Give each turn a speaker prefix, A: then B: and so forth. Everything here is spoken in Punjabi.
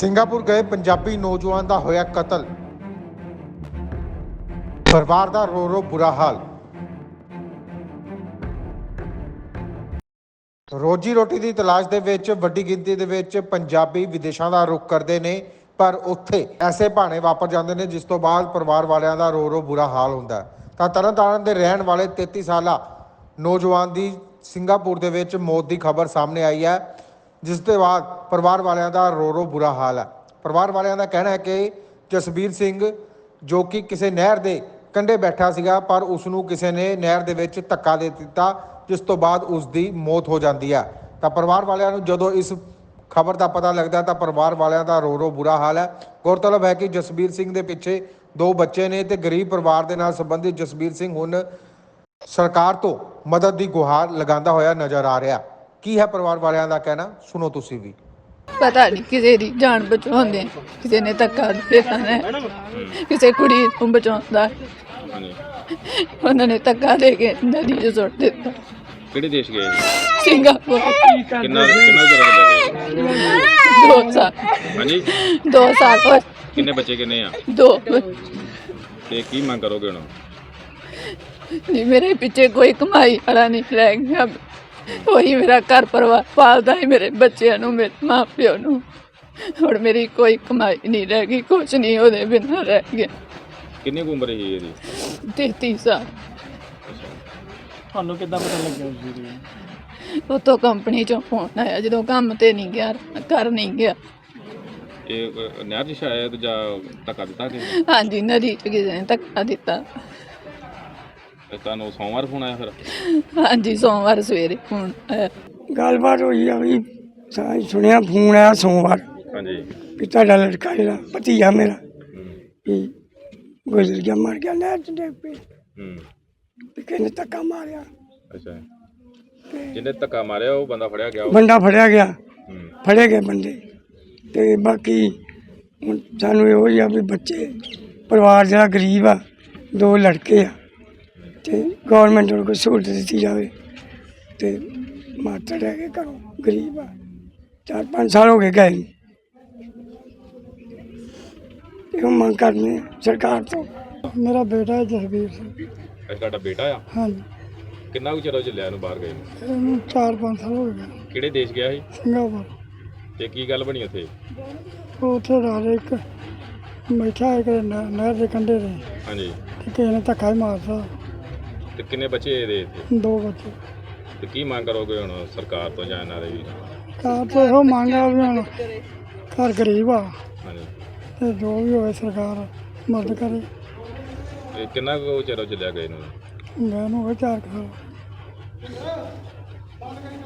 A: ਸਿੰਗਾਪੁਰ ਗਏ ਪੰਜਾਬੀ ਨੌਜਵਾਨ ਦਾ ਹੋਇਆ ਕਤਲ। ਪਰਿਵਾਰ ਦਾ ਰੋ ਰੋ ਬੁਰਾ ਹਾਲ। ਰੋਜੀ ਰੋਟੀ ਦੀ ਤਲਾਸ਼ ਦੇ ਵਿੱਚ ਵੱਡੀ ਗਿਣਤੀ ਦੇ ਵਿੱਚ ਪੰਜਾਬੀ ਵਿਦੇਸ਼ਾਂ ਦਾ ਰੁਖ ਕਰਦੇ ਨੇ, ਪਰ ਉੱਥੇ ਐਸੇ ਭਾਣੇ ਵਾਪਰ ਜਾਂਦੇ ਨੇ ਜਿਸ ਤੋਂ ਬਾਅਦ ਪਰਿਵਾਰ ਵਾਲਿਆਂ ਦਾ ਰੋ ਰੋ ਬੁਰਾ ਹਾਲ ਹੁੰਦਾ ਹੈ। ਤਾਂ ਤਰਨਤਾਰਨ ਦੇ ਰਹਿਣ ਵਾਲੇ 33 ਸਾਲਾ ਨੌਜਵਾਨ ਦੀ ਸਿੰਗਾਪੁਰ ਦੇ ਵਿੱਚ ਮੌਤ ਦੀ ਖਬਰ ਸਾਹਮਣੇ ਆਈ ਹੈ, ਜਿਸ ਦੇ ਬਾਅਦ ਪਰਿਵਾਰ ਵਾਲਿਆਂ ਦਾ ਰੋ ਰੋ ਬੁਰਾ ਹਾਲ ਹੈ। ਪਰਿਵਾਰ ਵਾਲਿਆਂ ਦਾ ਕਹਿਣਾ ਹੈ ਕਿ ਜਸਬੀਰ ਸਿੰਘ ਜੋ ਕਿ ਕਿਸੇ ਨਹਿਰ ਦੇ ਕੰਢੇ ਬੈਠਾ ਸੀਗਾ, ਪਰ ਉਸ ਨੂੰ ਕਿਸੇ ਨੇ ਨਹਿਰ ਦੇ ਵਿੱਚ ਧੱਕਾ ਦੇ ਦਿੱਤਾ, ਜਿਸ ਤੋਂ ਬਾਅਦ ਉਸ ਦੀ ਮੌਤ ਹੋ ਜਾਂਦੀ ਹੈ। ਤਾਂ ਪਰਿਵਾਰ ਵਾਲਿਆਂ ਨੂੰ ਜਦੋਂ ਇਸ ਖਬਰ ਦਾ ਪਤਾ ਲੱਗਦਾ ਤਾਂ ਪਰਿਵਾਰ ਵਾਲਿਆਂ ਦਾ ਰੋ ਰੋ ਬੁਰਾ ਹਾਲ ਹੈ। ਗੌਰਤਲਬ ਹੈ ਕਿ ਜਸਬੀਰ ਸਿੰਘ ਦੇ ਪਿੱਛੇ 2 ਬੱਚੇ ਨੇ ਤੇ ਗਰੀਬ ਪਰਿਵਾਰ ਦੇ ਨਾਲ ਸੰਬੰਧਿਤ ਜਸਬੀਰ ਸਿੰਘ ਹੁਣ ਸਰਕਾਰ ਤੋਂ ਮਦਦ ਦੀ ਗੁਹਾਰ ਲਗਾਉਂਦਾ ਹੋਇਆ ਨਜ਼ਰ ਆ ਰਿਹਾ। ਕੀ ਹੈ ਪਰਿਵਾਰ ਵਾਲਿਆਂ ਦਾ ਕਹਿਣਾ, ਸੁਣੋ ਤੁਸੀਂ ਵੀ।
B: ਪਤਾ ਨਹੀਂ ਕਿਸੇ ਦੀ ਜਾਨ ਬਚਾਉਂਦੇ, ਕਿਸੇ ਨੇ ਧੱਕਾ ਦੇ ਦੇਣਾ, ਕਿਸੇ ਕੁੜੀ ਨੂੰ ਬਚਾਉਂਦਾ, ਉਹਨਾਂ ਨੇ ਧੱਕਾ ਦੇ ਕੇ ਨਦੀ 'ਚ ਸੁੱਟ ਦਿੱਤਾ।
C: ਕਿਹੜੇ ਦੇਸ਼ ਗਏ?
B: ਸਿੰਗਾਪੁਰ।
C: ਕਿੰਨਾ ਚਿਰ ਹੋ ਗਿਆ?
B: 2 ਸਾਲ।
C: ਹਾਂਜੀ
B: 2 ਸਾਲ ਹੋਏ।
C: ਕਿੰਨੇ ਬੱਚੇ ਕਿੰਨੇ ਆ?
B: 2।
C: ਤੇ ਕੀ ਮੰਗ ਕਰੋਗੇ ਹੁਣ?
B: ਨਹੀਂ, ਮੇਰੇ ਪਿੱਛੇ ਕੋਈ ਕਮਾਈ ਵਾਲਾ ਨਹੀਂ ਰਹਿ ਗਿਆ। ਉਹੀ ਮੇਰਾ ਘਰ ਪਰਿਵਾਰ ਪਾਲਦਾ ਹੈ, ਮੇਰੇ ਬੱਚਿਆਂ ਨੂੰ, ਮੇਰੇ ਮਾਂ ਪਿਓ ਨੂੰ। ਹੁਣ ਮੇਰੀ ਕੋਈ ਕਮਾਈ ਨਹੀਂ ਰਹਿ ਗਈ, ਕੁਛ ਨਹੀਂ ਉਹਦੇ ਬਿਨਾਂ ਰਹਿ ਗਿਆ।
C: ਕਿੰਨੀ ਕੁ ਉਮਰ ਸੀ ਇਹਦੀ?
B: 33 ਸਾਲ।
D: ਤੁਹਾਨੂੰ ਕਿੱਦਾਂ ਪਤਾ ਲੱਗਿਆ ਉਸ ਦੀ?
B: ਉੱਥੋਂ ਕੰਪਨੀ ਚੋਂ ਫੋਨ ਆਇਆ, ਜਦੋਂ ਕੰਮ ਤੇ ਨਹੀਂ ਗਿਆ, ਘਰ ਨਹੀਂ ਗਿਆ।
C: ਇਹ ਨਹਿਰ 'ਚ ਸ਼ਾਇਦ ਜਾਂ ਧੱਕਾ ਦਿੱਤਾ ਕਿ?
B: ਹਾਂਜੀ, ਨਦੀ 'ਚ ਕਿਸੇ ਨੇ ਧੱਕਾ ਦਿੱਤਾ।
C: ਤੁਹਾਨੂੰ ਸੋਮਵਾਰ ਫੋਨ ਆਇਆ ਫਿਰ?
B: ਹਾਂਜੀ, ਸੋਮਵਾਰ ਸਵੇਰੇ ਫੋਨ ਆਇਆ।
D: ਗੱਲਬਾਤ ਹੋਈ ਆ ਵੀ ਸੁਣਿਆ ਫੋਨ ਆਇਆ ਸੋਮਵਾਰ
C: ਹਾਂਜੀ
D: ਕਿ ਤੁਹਾਡਾ ਲੜਕਾ ਜਿਹੜਾ ਭਤੀਜਾ ਮੇਰਾ ਵੀ ਗੁਜ਼ਰ ਗਿਆ, ਮਰ ਗਿਆ ਨਹਿਰ 'ਚ ਡਿੱਗ ਪਈ। ਵੀ ਕਿਸੇ ਨੇ ਧੱਕਾ ਮਾਰਿਆ।
C: ਅੱਛਾ, ਜਿਹਨੇ ਧੱਕਾ ਮਾਰਿਆ ਉਹ ਬੰਦਾ ਫੜਿਆ ਗਿਆ?
D: ਬੰਦਾ ਫੜਿਆ ਗਿਆ, ਫੜੇ ਗਏ ਬੰਦੇ। ਤੇ ਬਾਕੀ ਹੁਣ ਸਾਨੂੰ ਇਹੋ ਹੀ ਆ ਵੀ ਬੱਚੇ ਪਰਿਵਾਰ ਜਿਹੜਾ ਗਰੀਬ ਆ, 2 ਲੜਕੇ ਆ, ਤੇ ਗੌਰਮੈਂਟ ਨੂੰ ਕੋਈ ਸਹੂਲਤ ਦਿੱਤੀ ਜਾਵੇ। ਤੇ ਮਾਤਾ ਰਹਿ ਕੇ ਘਰੋਂ ਗਰੀਬ ਆ, 4-5 ਸਾਲ ਹੋ ਗਏ ਗਏ ਨੂੰ। ਇਹੋ ਮੰਗ ਕਰਨੀ ਆ ਸਰਕਾਰ ਤੋਂ। ਮੇਰਾ ਬੇਟਾ ਹੈ ਜਸਬੀਰ ਸਿੰਘ।
C: ਇਹ ਤੁਹਾਡਾ ਬੇਟਾ ਆ?
D: ਹਾਂਜੀ।
C: ਕਿੰਨਾ ਕੁ ਚਿਰ ਹੋ ਚੱਲਿਆ ਇਹਨੂੰ ਬਾਹਰ ਗਏ ਨੂੰ?
D: ਇਹਨੂੰ 4-5 ਸਾਲ ਹੋ ਗਏ।
C: ਕਿਹੜੇ ਦੇਸ਼ ਗਿਆ ਸੀ?
D: ਸਿੰਗਾਪੁਰ।
C: ਤੇ ਕੀ ਗੱਲ ਬਣੀ ਉੱਥੇ?
D: ਉਹ ਉੱਥੇ ਰਾਜ ਇੱਕ ਬੈਠਾ ਇੱਕ ਨਹਿਰ ਦੇ ਕੰਢੇ 'ਤੇ,
C: ਹਾਂਜੀ।
D: ਤੇ ਕਿਸੇ ਨੇ ਧੱਕਾ ਹੀ ਮਾਰਤਾ।
C: ਤੇ ਕਿੰਨੇ ਬੱਚੇ ਇਹਦੇ ਇੱਥੇ?
D: 2 ਬੱਚੇ।
C: ਤੇ ਕੀ ਮੰਗ ਕਰੋਗੇ ਹੁਣ ਸਰਕਾਰ ਤੋਂ ਜਾਂ ਇਹਨਾਂ ਦੇ ਵੀ?
D: ਕਾਰ ਤੋਂ ਇਹੋ ਮੰਗ ਆ ਵੀ ਹੁਣ ਘਰ ਗਰੀਬ ਆ,
C: ਹਾਂਜੀ।
D: ਤੇ ਜੋ ਵੀ ਹੋਵੇ ਸਰਕਾਰ ਮਦਦ ਕਰੇ।
C: ਇਹ ਕਿੰਨਾ ਕੁ ਚਿਰ ਹੋ ਚੱਲਿਆ ਗਏ ਨੂੰ?
D: ਮੈਂ ਨੂੰ 4 ਸਾਲ।